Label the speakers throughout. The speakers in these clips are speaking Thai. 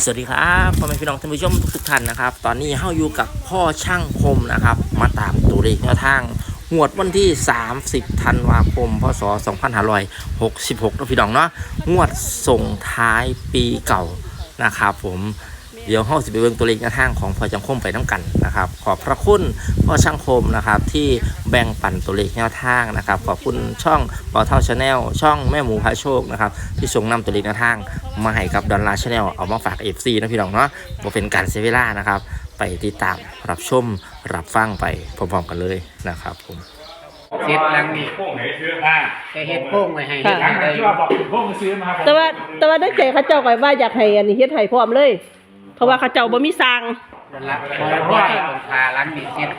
Speaker 1: สวัสดีครับพ่อแม่พี่น้องท่านผู้ชมทุกท่านนะครับตอนนี้เฮาอยู่กับพ่อช่างคมนะครับมาตามตัวเลขแนวทางงวดวันที่30ธันวาคมพศ2566นะพี่น้องเนาะงวดส่งท้ายปีเก่านะครับผมเดี๋ยวเฮาสิไปเบิ่งตัวเลขแนวทางของพ่อช่างคมไปน้ำกันนะครับขอบพระคุณพ่อช่างคมนะครับที่แบ่งปันตัวเลขแนวทางนะครับขอบคุณช่องเป่าเท่าชาแนลช่องแม่หมูพระโชคนะครับที่ส่งนำตัวเลขแนวทางมาให้กับดอลลาร์ชาแนลเอามาฝาก FC นะพี่น้องเนาะบ่เป็นการเสียเวลานะครับไปติดตามรับชมรับฟังไปพร้อมๆกันเลยนะครับผม
Speaker 2: เฮ็ดหลังนี่
Speaker 3: โค้งไหนซื้อ
Speaker 2: จะเฮ็ดโค้งไว้ให้
Speaker 4: ค่ะ
Speaker 3: หลังไหนที่ว่าบอกโค้งซื้อมาครับ
Speaker 4: แต่ว่าได้ใจเขาเจ้าก็ว่าอยากให้อันนี้เฮ็ดให้พร้อมเลย เพราะว่าเขาเจ้าบ่มีสร้าง
Speaker 2: นั่นละเพราะว่าต้องพาหลังนี่เฮ็ด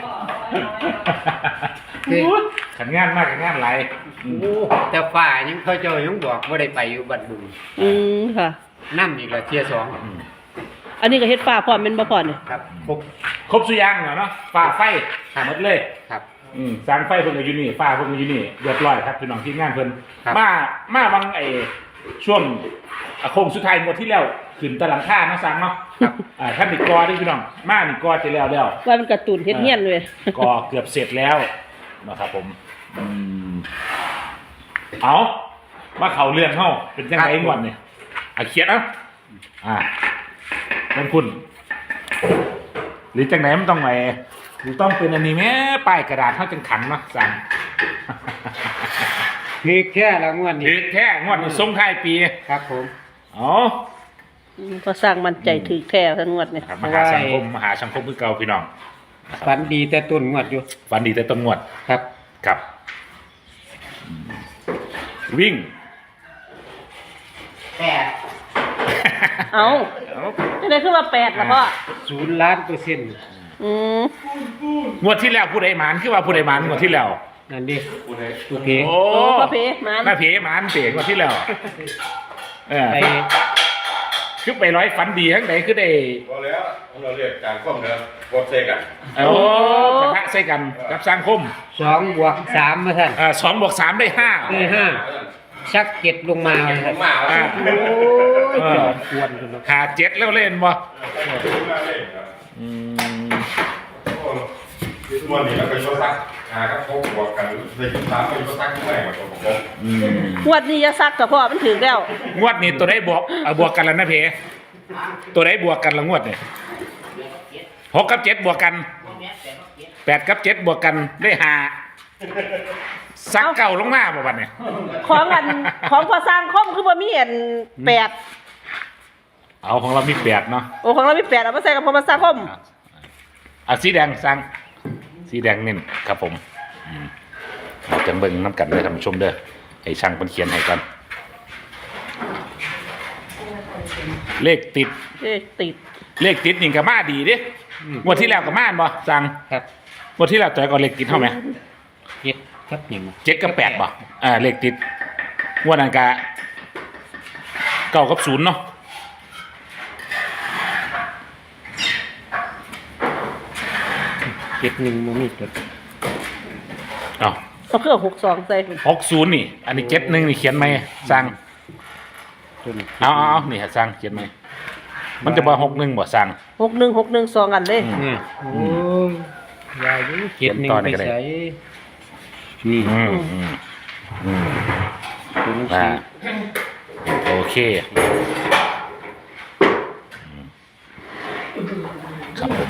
Speaker 2: คือ
Speaker 3: ขันงานมากขันงานไร
Speaker 2: แต่ฝ่ายังเขาเจ้ายังบอกบ่ได้ไปอยู่บัดบุญ
Speaker 4: ค่ะ
Speaker 2: นำอีกละเที่ยสอง
Speaker 4: อันนี้ก็เฮ็ดฟ้าพร้อมแม่นบ่พอนี่
Speaker 2: ครับ
Speaker 3: ครบสุยางเนาะฝ่าไฟหมดเลย
Speaker 2: ครับ
Speaker 3: สร้างไฟเพิ่นก็อยู่นี่ฝ่าเพิ่นก็อยู่นี่เรียบร้อยครับพี่น้องที่งานเพิ่น
Speaker 2: ครับ
Speaker 3: มาบางช่วงโค้งสุดท้ายหมดที่แล้วขึ้นตะหลังค่าเนาะสร้างเนาะท่านนี่กอที่พี่น้องมานี่กอจะแล้ว
Speaker 4: ว่ามันการ์ตูนเฮ็ดเฮียนเลย
Speaker 3: กอเกือบเสร็จแล้วนะครับผมเอาว่าเขาเลื่อนเฮาเป็นจังไงก่อนเนี่ยเขียนนั่นคุณหรือจังไหนมันต้องไหนต้องเป็นอันนี้แม่ป้ายกระดาษเท่าจังขันเนาะสั่ง
Speaker 2: คือแค่ละงวดนี้
Speaker 3: ถือแค่งวดนี้ส่งท้ายปี
Speaker 2: ครับผม
Speaker 3: อ๋อ
Speaker 4: ก็สร้างมั่นใจถือแท้ทั้งงวดนี่
Speaker 3: ครับมหาสังคมคือเก่าพี่น้อง
Speaker 2: ฝันดีแต่ต้นงวดอยู่
Speaker 3: ฝันดีแต่ต้นงวด
Speaker 2: ครับ
Speaker 3: ครับวิ่ง
Speaker 4: เอ้าจะได้ขึ้นมา8ล่ะพ่อ
Speaker 2: 0,000,000%
Speaker 3: งวดที่แล้วผู้ใดหมานคือว่าผู้ใดหมานงวดที่แล้ว
Speaker 2: นั่นดิโอเค
Speaker 3: โอ้
Speaker 4: โอ้พ่อเพมัน
Speaker 3: หน้าเพหมานเสียงวดที่แล้ว
Speaker 2: ไป
Speaker 3: คือไปร้อยฝันดีทั้งไหนคือได้
Speaker 5: พอแล้วเราเรียกการข้อมเนื้อโคตรเซกัน
Speaker 3: โอ้กระทะใส่กันกับสร้างคม
Speaker 2: 2 บวก 3มาท่าน
Speaker 3: 2+3ได้ 5
Speaker 2: ได้5ชัก7ลงมา
Speaker 5: ผ
Speaker 2: ท่าน
Speaker 5: มมา
Speaker 2: โอ้
Speaker 5: แล้ว
Speaker 2: ยจอดควรกันเนาะ
Speaker 3: ขา7แล้วเล่นบ่
Speaker 5: วันนี้เราก็ยกซักครับพบบวกกันในยุคสามก็ยกซักที่ไหนมาตัวผม
Speaker 4: งวดนี้อย่าซักกับพ่อมันถึงแล้ว
Speaker 3: งวดนี้ตัวได้บวกกันแล้วนะเพตัวได้บวกกันละงวดเนี่ย6 กับ 7บวกกัน8 กับ 7บวกกันได้5ซักเก่าลงมาบ่บัดเนี่ย
Speaker 4: ของพอสร้างคอมคือบ่มีอัน8
Speaker 3: เอาของเรามี8เนาะ
Speaker 4: โอ้ของเรามี8เอามาใส่กับพอมาสร้างคอม
Speaker 3: สีแดงสั่งสีแดงเน้นครับผมจังเบิ่งน้ำกันเลยท่านผู้ชมเด้อให้ช่างเป็นเขียนให้กันเลขติด
Speaker 4: ติด
Speaker 3: เลขติดนี่ก็มาดีเดิงวดที่แล้วก็มาบ่สั่ง
Speaker 2: ครับ
Speaker 3: งวดที่แล้วตัวก็เลขติดเท่าไหม
Speaker 2: 7ครับ1
Speaker 3: 7 กับ 8บ่เลขติดงวดนั้นก็9 กับ 0เนาะ
Speaker 2: 71บ่มีจด
Speaker 3: เอา
Speaker 4: เอาเครื่อง62ใส่
Speaker 3: 60นี่อันนี้71นี่เขียนไหมสั่ง
Speaker 2: ต้น
Speaker 3: เอานี่ฮะสั่งเขียนไหมมันจะบ่61บ่สั่ง
Speaker 4: 6162อันเลย
Speaker 2: โอ้ยยายอยู่71ไปใส่นี่ ตัวหนังสือ
Speaker 3: โอเคครับผม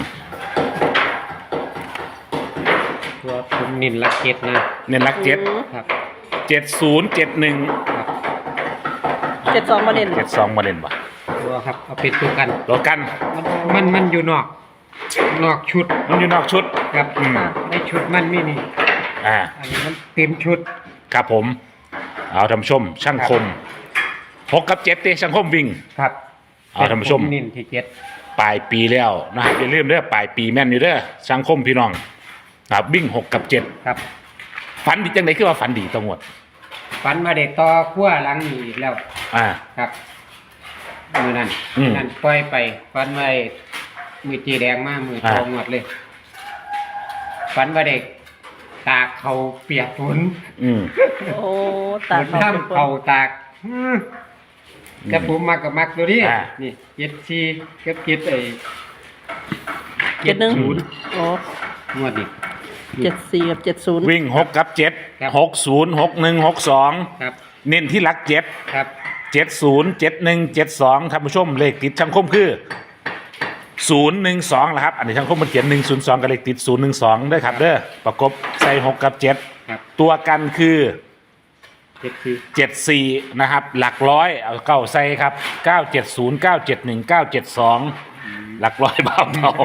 Speaker 2: ตัวผมนินลักเก็ตนะ
Speaker 3: เน้นรัก
Speaker 2: ครับ
Speaker 3: 7071
Speaker 2: ครับ
Speaker 4: 72มาเด่น
Speaker 3: 72มาเล่นบ่
Speaker 2: ตัวครับเอาเป็นตัวกัน
Speaker 3: รถกัน
Speaker 2: มันอยู่นอกชุด
Speaker 3: มันอยู่นอกชุด
Speaker 2: ครับในชุดมันมีนี่ อันนี้มันเต็มชุด
Speaker 3: ครับผม เอาท่านผู้ชม ช่างคม6 กับ 7เตะช่างคมวิ่ง
Speaker 2: ครับ
Speaker 3: เอาท่านผู้ชม
Speaker 2: นินที่เจ็ด
Speaker 3: ปลายปีแล้วนะครับอย่าลืมเด้อปลายปีแม่นอยู่เด้อช่างคมพี่น้องครับวิ่ง6 กับ 7
Speaker 2: ครับ
Speaker 3: ฝันดีจังไดคือว่าฝันดีตรงหมด
Speaker 2: ฟันมาได้ต่อขั้วหลังนี่แล้ว ครับมือนั้นนั่นปล่อยไปฟันไว้มือจีแดงมากมือทองหมดเลยฟันว่าเด็กตากเขาเปียกฝน
Speaker 4: โอ้ตา
Speaker 2: ฝนน้ำเขาตากแต่ผมมักกับมักตัวนี้
Speaker 3: อ่า
Speaker 2: นี่74กับ7ไอ้
Speaker 4: 71
Speaker 2: 70
Speaker 4: อ๋อง
Speaker 2: วดนี้
Speaker 4: 74กับ70
Speaker 3: วิ่ง6กับ
Speaker 2: ครับ
Speaker 3: 7 60 61 62
Speaker 2: ครับ
Speaker 3: เน้นที่หลัก
Speaker 2: ครับ
Speaker 3: 7 70 71 72ท่านผู้ชมเลขติดช่างคมคือ 012นะครับอันนี้ช่างคมมันเขียน102กับเลขติด012ด้วยครับเด้อประกบใส่6กับ
Speaker 2: ครับ
Speaker 3: 7ตัวกันคือ
Speaker 2: 74
Speaker 3: 74นะครับหลักร้อยเอาเก้าใส่ครับ970 971 972หลักร้อยเบาเท่า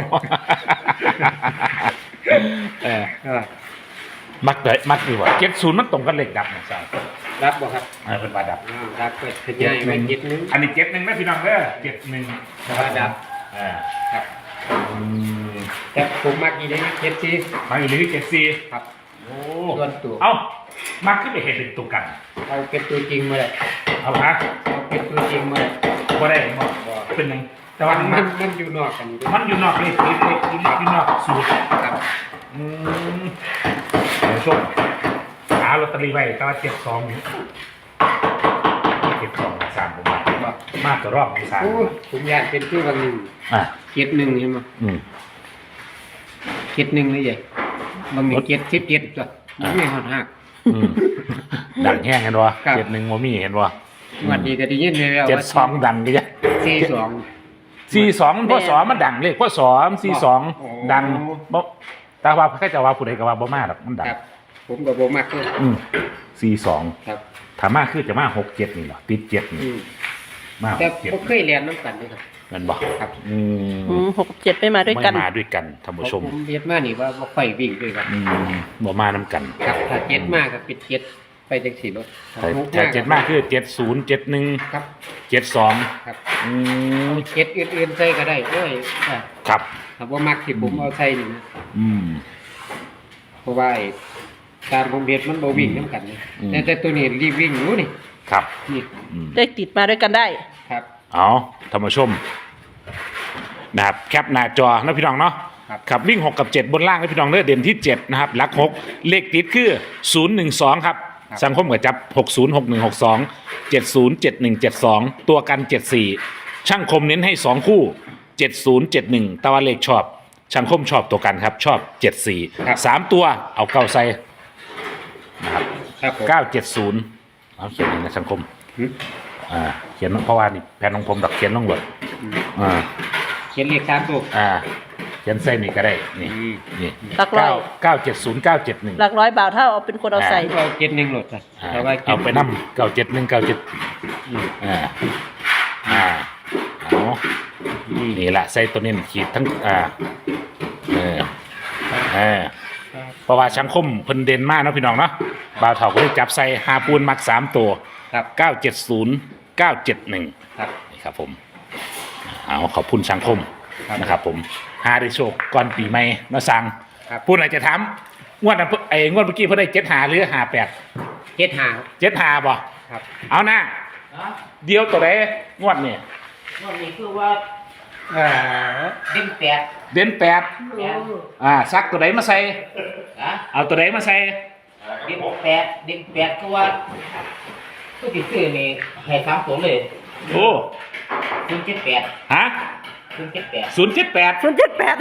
Speaker 3: มักเลยมักดีกว่า70มันตรงกันเลขดับนะใช่
Speaker 2: รับบ่ครับ
Speaker 3: เป็นบาดับ
Speaker 2: รับก็ขยายไว้71
Speaker 3: อันนี้71นะพี่น้องเด้อ71
Speaker 2: ว่าดับ ครับ แต่ผมมักอีนี้74
Speaker 3: มาอยู่ที่74
Speaker 2: ครับ
Speaker 3: โอ้
Speaker 2: ส่วนตัว
Speaker 3: เอ้ามักขึ้นไปเห็นเป็นตัวกัน
Speaker 2: เอาเป็นตัวจริงมาเลย
Speaker 3: เอาฮะ
Speaker 2: เอาเป็นตัวจริงมาเลย
Speaker 3: บ่ได้บ่เป็นหยังแต่ว่า
Speaker 2: มันอยู่นอกกันอยู่ด้วย
Speaker 3: มันอยู่นอกเลขติดเลขอยู่นอกสูตร
Speaker 2: ครับ
Speaker 3: เดี๋ยวชมหาลอตเตอรี่ไว้แต่ว่า72นี่72 3ผมมากกว่ารอบที่3
Speaker 2: โอ้ผมอยากเป็นชื่อบางหนึ่ง
Speaker 3: อ่ะ
Speaker 2: 71ใช่ไหม
Speaker 3: อืม
Speaker 2: 71นี่ใหญ่บางหนึ่ง77ตัวไม่หอดหัก
Speaker 3: อืมดังแห้งเห็นบ่
Speaker 2: ครับ
Speaker 3: 71บ่มีเห็นบ่
Speaker 2: วันนี้ก็ได้ยินเลยว่า
Speaker 3: 72ดังก็จะ
Speaker 2: 42
Speaker 3: 42มันพ่อสอมันดังเลขพ่อสอมัน
Speaker 2: โอ้
Speaker 3: 42ดังบ่แต่ว่าใครจะว่าผู้ใดก็ว่าบ่มาดอกมันดัง
Speaker 2: ครับ ผมกับโบมักเลย
Speaker 3: 42
Speaker 2: ครับ
Speaker 3: ถ้ามาคือจะมา67นี่เหรอติด7นี่มา
Speaker 2: แต่
Speaker 3: 67
Speaker 2: ผมเคยเรียนน้ำกันด้วยครับ
Speaker 3: แม่นบ่
Speaker 2: ครับ
Speaker 4: 6กับ7ไม่มาด้วยกัน
Speaker 3: ไม่มาด้วยกันท่านผู้ชม
Speaker 2: ผมเรียนมานี่ว่าบ่ค่อยวิ่งด้วยกัน
Speaker 3: บ่มานํกัน
Speaker 2: ครับถ้า7มากก็ปิด7ไปจังสี่รถ
Speaker 3: ถ้า7มากคือ70 71
Speaker 2: ครับ
Speaker 3: 72
Speaker 2: ครับ
Speaker 3: อืม
Speaker 2: อื่นๆใส่ก็ได้โอ้ย
Speaker 3: ครับ
Speaker 2: ถ้าบ่มักที่ผมเอาใส่นี่นะ
Speaker 3: อืม
Speaker 2: เพราะว่าไอ้การผมเฮ็ดมันบ่วิ่งนํกันนะ
Speaker 3: อืม
Speaker 2: แต่ตัวนี้รีบวิ่งอยู่นี่
Speaker 3: ครับ
Speaker 2: นี่
Speaker 3: อืม
Speaker 4: ได้ติดมาด้วยกันได้
Speaker 2: ครับ
Speaker 3: เอาท่านผู้ชมนะครับแคปหน้าจอนะพี่น้องเนาะ
Speaker 2: ครับ
Speaker 3: ครับวิ่ง6กับ7บนล่างนะพี่น้องเด้อเด่นที่7นะครับหลัก6เลขติดคือ012ครับสังคมกับจับ606162 707172ตัวกัน74ช่างคมเน้นให้2คู่7071ตะวันเลขชอบช่างคมชอบตัวกันครับชอบ74 3ตัวเอาเก้าใส่นะครับ
Speaker 2: ครับผม
Speaker 3: 970เอาเขียนเองนะช่างคม
Speaker 2: หืม
Speaker 3: เขียนเพราะว่านี่แผ่นของผมดักเขียนลงหมด
Speaker 2: เขียนเลข3ตัว
Speaker 3: เขียนเส้นนี่ก็ได้นี่
Speaker 2: อืม
Speaker 3: นี่
Speaker 4: หลักร้อย
Speaker 3: 970
Speaker 4: หลักร้อยบาทถ้าเอาเป็นคนเอาใส่
Speaker 2: เอา71โหลดจ้ะ
Speaker 3: 971
Speaker 2: แต่ว่า
Speaker 3: เอาไปนำ971 97เอานี่ละใส่ตัวนี้ขีดทั้งเพราะว่าชังคมเพิ่นเด่นมากเนาะพี่น้องเนาะบ่าวเฒ่าก็เลยจับใส่หาปูนมัก3ตัว
Speaker 2: ครับ
Speaker 3: 970 971
Speaker 2: ครับ
Speaker 3: นี่ครับผมเอาขอบคุณสังคม
Speaker 2: ครับ
Speaker 3: นะครับผมหาได้โชคก่อนปีใหม่มาสั่ง
Speaker 2: ครับ
Speaker 3: พูดอาจจะถามงวดนั้นงวดเมื่อกี้เพิ่นได้7หาหรือ58
Speaker 2: 75
Speaker 3: 7หาบ่
Speaker 2: ครับ
Speaker 3: เอานะเดียวตัวใดงวดนี่
Speaker 2: วันนี้คือว่าดิ้นแปด
Speaker 3: เด่น8ซักตัวใดมาใส่
Speaker 2: นะ
Speaker 3: เอาตัวใดมาใส่
Speaker 2: ดิ้นแปดคือว่าผู้ติดซื้อนี่ให้3ตัวเลย
Speaker 3: โอ้
Speaker 2: 078
Speaker 3: ฮะ
Speaker 2: 078
Speaker 3: 078
Speaker 4: 078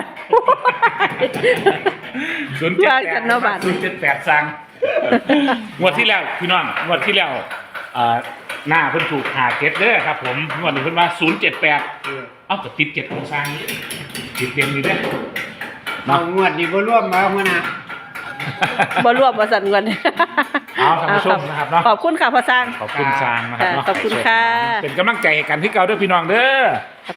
Speaker 4: ว่ากันเนาะบาท
Speaker 3: 078สั่งงวดที่แล้วพี่น้องงวดที่แล้วหน้าเพิ่นถูกหาเก็ตเด้อครับผมงวดนี้เพิ่นว่า078เอ้าก็ติด7ของสร้างนี่ติดเต็มอยู่เด้อ
Speaker 2: เอางวดนี้บ่รวมมาหัวหน้า
Speaker 4: บ่รวมบ่สั่นกัน
Speaker 3: เอาท่านผู้ชมนะครับเนาะ
Speaker 4: ขอบคุณค่ะพ่อสร้าง
Speaker 3: ขอบคุณสร้างนะครับเนาะ
Speaker 4: ขอบคุณค่ะ
Speaker 3: เป็นกำลังใจให้กันที่เก่าเด้อพี่น้องเด้อ